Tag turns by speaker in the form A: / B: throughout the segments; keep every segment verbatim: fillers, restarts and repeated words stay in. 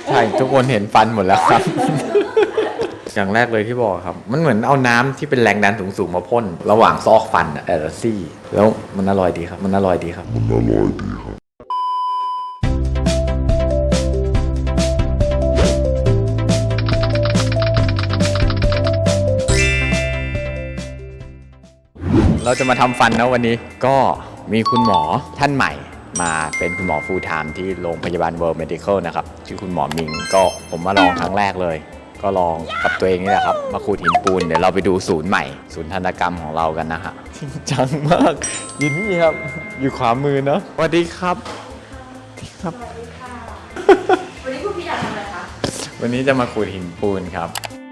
A: ใช่ทุกคนเห็นฟันหมดแล้วครับ อย่างแรกเลยที่บอกครับมันเหมือนเอาน้ำที่เป็นแรงดันสูงๆมาพ่นระหว่างซอกฟันอะแต่ละซี่แล้วมันอร่อยดีครับมันอร่อยดีครับมันอร่อยดีครับเราจะมาทำฟันนะวันนี้ก็มีคุณหมอท่านใหม่มาเป็นคุณหมอ full time ที่โรงพยาบาล World Medical นะครับชื่อคุณหมอมิงก็ผมมาลองครั้งแรกเลยก็ลองกับตัวเองนี่แหละครับมาขูดหินปูนเดี๋ยวเราไปดูศูนย์ใหม่ศูนย์ทันตกรรมของเรากันนะฮะจริงจังมากอยู่นี่ครับอยู่ขวามือเนาะสวัสดีครับครับ
B: วันนี้คุณพี่อยากทำอะไรคะ
A: วันนี้จะมาขูดหินปูนครับ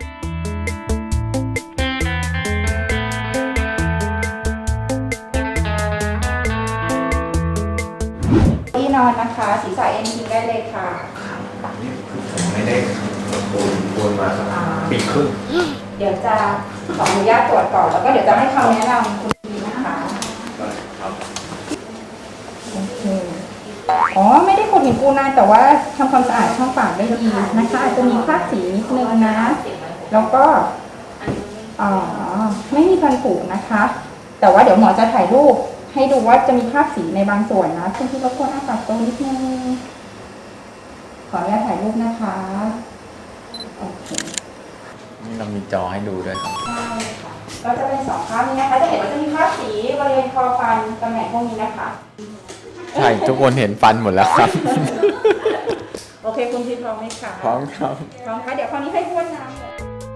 B: ที่นอนนะคะศีรษะเอ็นทิ้งได้เลยค่ะ
A: นี่คือผมไม่ได้ปูนปูนมาสักปีครึ่ง
B: เดี๋ยวจะขออนุญาตตรวจก่อนแล้วก็เดี๋ยวจะให้คำแนะนำคุณพี่นะคะ
A: ครับ
B: โอเคอ๋อไม่ได้ขูดหินปูนนานแต่ว่าทำความสะอาดช่องปากได้ดีนะคะอาจจะมีคราบสีนิดนึงนะแล้วก็อ๋อไม่มีฟันผุนะคะ แต่ว่าเดี๋ยวหมอจะถ่ายรูปให้ดูว่าจะมีคราบสีในบางส่วนนะคุณพี่รบกวนอ้าปากตรงนิดนึงขออนุญาตถ่ายรูปนะคะโอเค
A: นี่เรามีจอให้ดูด้วยครับ
B: ใช่ค่ะก็จะเป็นสองข้างนี้นะคะจะเห็นว่าจะมีคราบสีบริเวณคอฟันตำแหน่งพวกนี้นะคะ
A: ใช่ทุกคนเห็นฟันหมดแล้วครับ
B: โอเคคุณพี่พร้อมไหมคะ
A: พร้อมครับ
B: พร้อมค่ะเดี๋ยวคราวนี้ให้บ้วนน้ำเลย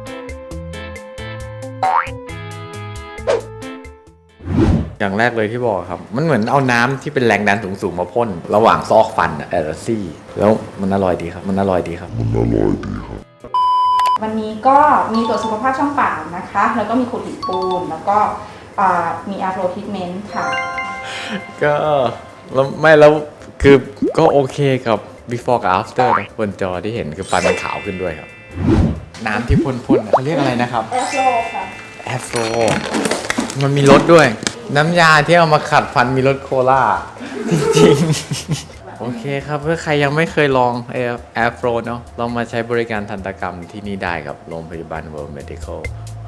A: อย่างแรกเลยที่บอกครับมันเหมือนเอาน้ำที่เป็นแรงดันสูงๆมาพ่นระหว่างซอกฟันอะแต่ละซี่แล้วมันอร่อยดีครับมันอร่อยดีครับมันอร่อยดีครับ
B: วันนี้ก็มีตรวจสุขภาพช่องปากนะคะ แล้วก็มีขูดหินปูนแล้วก็อ่ามีอาร์โรทิทเมนต์ค่ะ
A: ก็แล้วไม่แล้วคือก็โอเคกับ before กับ after นะบนจอที่เห็นคือฟันมันขาวขึ้นด้วยครับ น้ำที่พ่นๆเขาเรียกอะไรนะครับ
B: แอฟโรค่ะ
A: แอฟโรมันมีรสด้วย น้ำยาที่เอามาขัดฟันมีรสโคลาจริงๆ โอเคครับเพื่อใครยังไม่เคยลองแอฟโรเนาะลองมาใช้บริการทันตกรรมที่นี่ได้ครับโรงพยาบาล World Medical